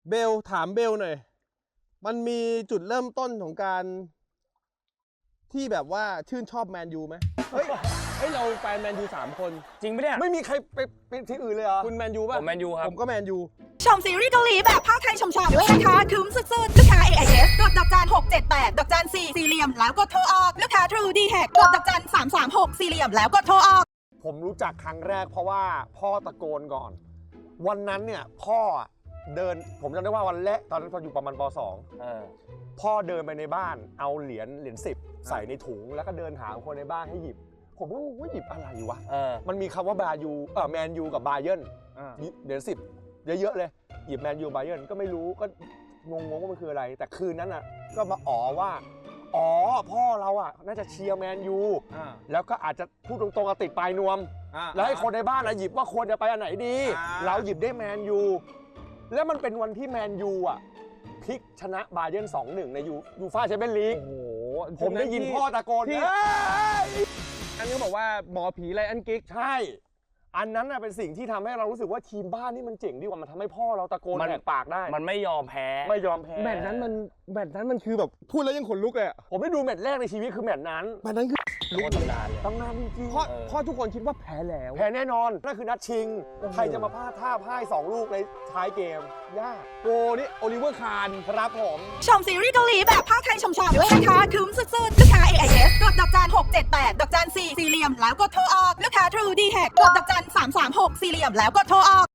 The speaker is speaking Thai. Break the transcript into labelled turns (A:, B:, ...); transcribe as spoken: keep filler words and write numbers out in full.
A: เบลถามเบลหน่อยมันมีจุดเริ่มต้นของการที่แบบว่าชื่นชอบแมนยูไหมเฮ้ยเฮ้ยเราแฟนแมนยูสามคน
B: จริงปะเนี่ย
C: ไม่มีใครไปเป็นที่อื่นเลยเหรอ
A: คุณแมนยูป่ะ
B: ผมแมนยูครับ
A: ผมก็แมนยู
D: ชมซีรีส์เกาหลีแบบภาคไทยชมๆด้วยนะคะคุ้มสุดๆลูกค้า เอ ไอ เอส กดดอกจันหกเจ็ดแปดดอกจันสี่สี่เหลี่ยมแล้วกดโทรออกลูกค้า True ดี แท็ก กดดอกจันสามสามหกสี่เหลี่ยมแล้วกดโทรออก
C: ผมรู้จักครั้งแรกเพราะว่าพ่อตะโกนก่อน วันนั้นเนี่ยพ่อเดินผมจำได้ว่าวันแรกตอนนั้นตอนอยู่ประมาณป สอง
B: เออ
C: พ่อเดินไปในบ้านเอาเหรียญเหรียญสิบใส่ในถุงแล้วก็เดินหาคนในบ้านให้หยิบ ผมก็ว่าหยิบอะไรวะ
B: เออ
C: มันมีคำว่าบายูเออแมนยูกับบาเยิร์นเหรียญสิบเยอะๆเลยหยิบแมนยูบาเยิร์นก็ไม่รู้ก็งงๆว่ามันคืออะไร แต่คืนนั้นอ่ะก็มาอ๋อว่าอ๋อพ่อเราอ่ะน่าจะเชียร์แมนยูแล้วก็อาจจะพูดตรงๆติดปลายนวมแล้วให้คนในบ้านหยิบว่าควรจะไปอันไหนดีเราหยิบได้แมนยูแล้วมันเป็นวันที่แมนยูอ่ะพลิกชนะบาเยิร์น สองหนึ่ง ในยูยูฟ่าแชมเปี้ยนลีก
A: โอ้โห
C: ผมได้ยินพ่อตะโกน
A: ที่
C: เอ้ย
A: อันนี้เขาบอกว่าหมอผีไรอันกิ๊ก
C: ใช่อันนั้นน่ะเป็นสิ่งที่ทำให้เรารู้สึกว่าทีมบ้านนี่มันเจ๋งดีกว่ามันทำให้พ่อเราตะโกน
B: มัน
C: แหกปากได้
B: มันไม่ยอมแพ้
C: ไม่ยอมแพ้
A: แมตช์นั้นมันแมตช์นั้นมันคือแบบพูดแล้วยังขนลุกเลยอะ
C: ผมได้ดูแมตช์แรกในชีวิตคือแมตช์นั้น
A: แมตช์นั้นคือ
B: โคตรตำนานเลย
C: ตำนานจริง
A: เพราะ
B: เออ
A: เพราะทุกคนคิดว่าแพ้แล้ว
C: ๆแพ้แน่นอนนั่นคือนัดชิง
A: โอ้โห
C: ใครจะมาพลาดท่าพ่ายสองลูกในท้ายเกมยาก
A: โกนี่โอลิเวอร์คาร์น
C: ครับผม
D: ชมซีรีส์เกาหลีแบบภาคไทยชมๆด้วยนะคะคุ้มสุดๆลูกค้า เอ ไอ เอส กดดอกจันหกเจ็ดแปดดอกจันสี่สี่เหลี่ยมแล้วกดโทรออกลูกค้า True ดี แท็ก กดดอกจันสามสามหกสี่เหลี่ยมแล้วกดโทรออก